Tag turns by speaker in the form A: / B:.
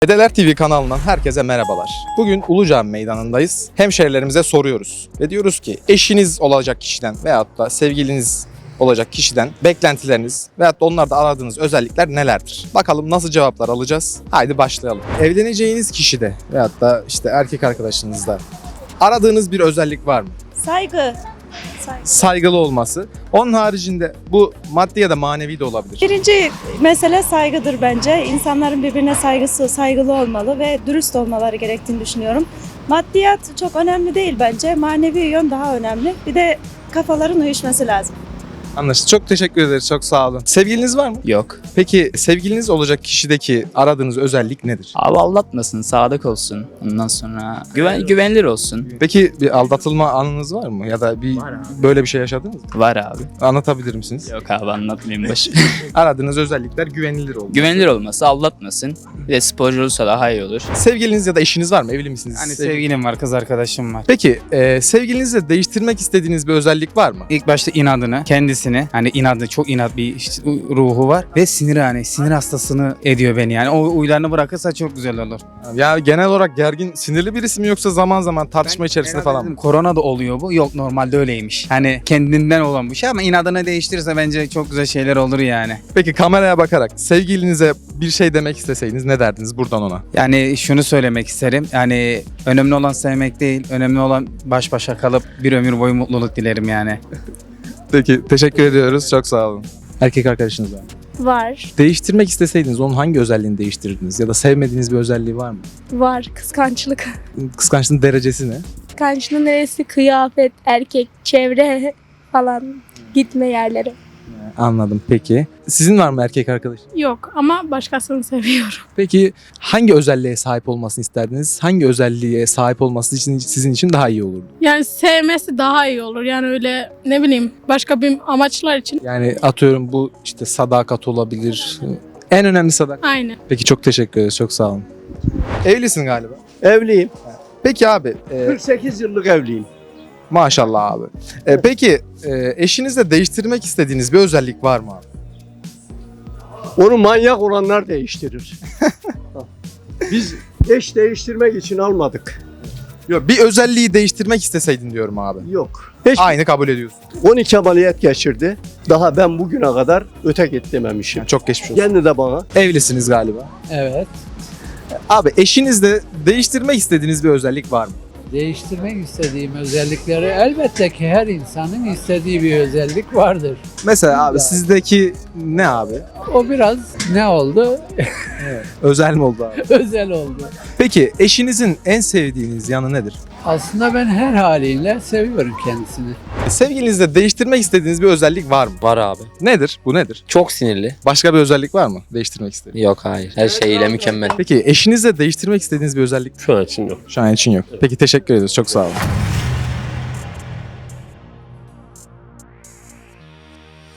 A: Dedeler TV kanalından herkese merhabalar. Bugün Ulucami Meydanı'ndayız. Hemşehrilerimize soruyoruz ve diyoruz ki eşiniz olacak kişiden veyahut da sevgiliniz olacak kişiden beklentileriniz veyahut da onlarda aradığınız özellikler nelerdir? Bakalım nasıl cevaplar alacağız? Haydi başlayalım. Evleneceğiniz kişide veyahut da işte erkek arkadaşınızda aradığınız bir özellik var mı?
B: Saygı.
A: Saygılı olması. Onun haricinde bu maddi ya da manevi de olabilir.
B: Birinci mesele saygıdır bence. İnsanların birbirine saygılı olmalı ve dürüst olmaları gerektiğini düşünüyorum. Maddiyat çok önemli değil bence. Manevi yön daha önemli. Bir de kafaların uyuşması lazım.
A: Anlaşıldı. Çok teşekkür ederiz. Çok sağ olun. Sevgiliniz var mı?
C: Yok.
A: Peki sevgiliniz olacak kişideki aradığınız özellik nedir?
C: Abi aldatmasın, sadık olsun. Ondan sonra güvenilir olsun.
A: Peki bir aldatılma anınız var mı? Ya da böyle bir şey yaşadınız mı?
C: Var abi.
A: Anlatabilir misiniz?
C: Yok abi anlatmayayım baş.
A: Aradığınız özellikler güvenilir oldu.
C: Güvenilir olması, aldatmasın. Bir de sporcu olursa daha iyi olur.
A: Sevgiliniz ya da eşiniz var mı? Evli misiniz?
D: Hani sevgilim var, kız arkadaşım var.
A: Peki sevgilinizle değiştirmek istediğiniz bir özellik var mı?
D: İlk başta inadını, kendisini, hani inadı, çok inat bir ruhu var ve sinir hastasını ediyor beni yani. O huylarını bırakırsa çok güzel olur.
A: Ya genel olarak gergin, sinirli birisi mi yoksa zaman zaman tartışma içerisinde
D: Herhalde
A: falan
D: dedim,
A: mı?
D: korona da oluyor bu. Yok, normalde öyleymiş. Hani kendinden olan bir şey ama inadını değiştirirse bence çok güzel şeyler olur yani.
A: Peki kameraya bakarak sevgilinize bir şey demek isteseydiniz ne derdiniz buradan ona?
D: Yani şunu söylemek isterim. Yani önemli olan sevmek değil, önemli olan baş başa kalıp bir ömür boyu mutluluk dilerim yani.
A: Peki teşekkür ediyoruz. Çok sağ olun. Erkek arkadaşınız var mı?
E: Var.
A: Değiştirmek isteseydiniz onun hangi özelliğini değiştirirdiniz? Ya da sevmediğiniz bir özelliği var mı?
E: Var. Kıskançlık.
A: Kıskançlığın derecesi ne?
E: Kıskançlığın neresi? Kıyafet, erkek, çevre falan. Gitme yerleri.
A: Anladım. Peki. Sizin var mı erkek arkadaş?
F: Yok ama başkasını seviyorum.
A: Peki hangi özelliğe sahip olmasını isterdiniz? Hangi özelliğe sahip olması için sizin için daha iyi olurdu?
F: Yani sevmesi daha iyi olur. Yani öyle ne bileyim başka bir amaçlar için.
A: Yani atıyorum bu işte sadakat olabilir. En önemli sadakat.
F: Aynen.
A: Peki çok teşekkür ederiz. Çok sağ olun. Evlisin galiba.
G: Evliyim.
A: Peki abi.
G: 48 yıllık evliyim.
A: Maşallah abi. Peki eşinizle değiştirmek istediğiniz bir özellik var mı abi?
G: Onu manyak olanlar değiştirir. Biz eş değiştirmek için almadık.
A: Yok, bir özelliği değiştirmek isteseydin diyorum abi.
G: Yok. Hiç
A: Aynı kabul ediyorsun.
G: 12 ameliyat geçirdi. Daha ben bugüne kadar öte git dememişim.
A: Yani çok geçmiş olsun.
G: Kendi de bana.
A: Evlisiniz galiba.
H: Evet.
A: Abi eşinizle değiştirmek istediğiniz bir özellik var mı?
H: Değiştirmek istediğim özellikleri elbette ki her insanın istediği bir özellik vardır.
A: Mesela abi sizdeki ne abi?
H: O biraz ne oldu?
A: Özel mi oldu abi?
H: Özel oldu.
A: Peki eşinizin en sevdiğiniz yanı nedir?
H: Aslında ben her haliyle seviyorum kendisini.
A: Sevgilinizle değiştirmek istediğiniz bir özellik var mı?
I: Var abi.
A: Nedir? Bu nedir?
I: Çok sinirli.
A: Başka bir özellik var mı değiştirmek istediğiniz?
I: Yok hayır. Her şeyiyle mükemmel.
A: Peki eşinizle değiştirmek istediğiniz bir özellik
G: Şu an için yok.
A: şu an için yok. Peki teşekkür ederiz. Çok sağ olun.